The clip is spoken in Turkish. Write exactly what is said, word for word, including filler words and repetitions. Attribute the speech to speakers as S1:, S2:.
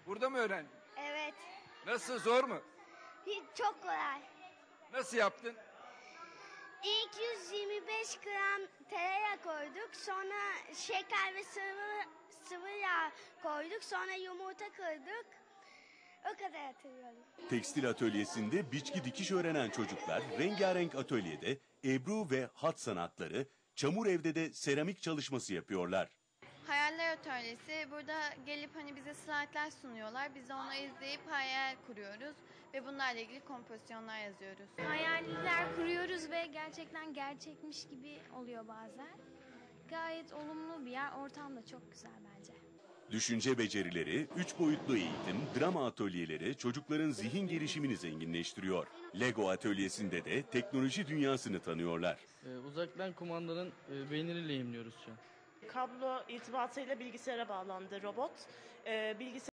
S1: Burada mı öğrendin?
S2: Evet.
S1: Nasıl, zor mu?
S2: Hiç çok kolay.
S1: Nasıl yaptın?
S2: İlk yüz yirmi beş gram tereyağı koyduk. Sonra şeker ve sıvı, sıvı yağ koyduk. Sonra yumurta kırdık. O kadar hatırlıyorum.
S3: Tekstil atölyesinde biçki dikiş öğrenen çocuklar rengarenk atölyede Ebru ve hat sanatları, çamur evde de seramik çalışması yapıyorlar.
S4: Hayaller Atölyesi, burada gelip hani bize slaytlar sunuyorlar. Biz de onu izleyip hayal kuruyoruz ve bunlarla ilgili kompozisyonlar yazıyoruz.
S5: Hayaller kuruyoruz ve gerçekten gerçekmiş gibi oluyor bazen. Gayet olumlu bir yer, ortam da çok güzel bence.
S3: Düşünce becerileri, üç boyutlu eğitim, drama atölyeleri çocukların zihin gelişimini zenginleştiriyor. Lego atölyesinde de teknoloji dünyasını tanıyorlar.
S6: Ee, uzaktan kumandanın e, beynini lehimliyoruz şu an.
S7: Kablo irtibatıyla bilgisayara bağlandı robot. Ee, bilgisayar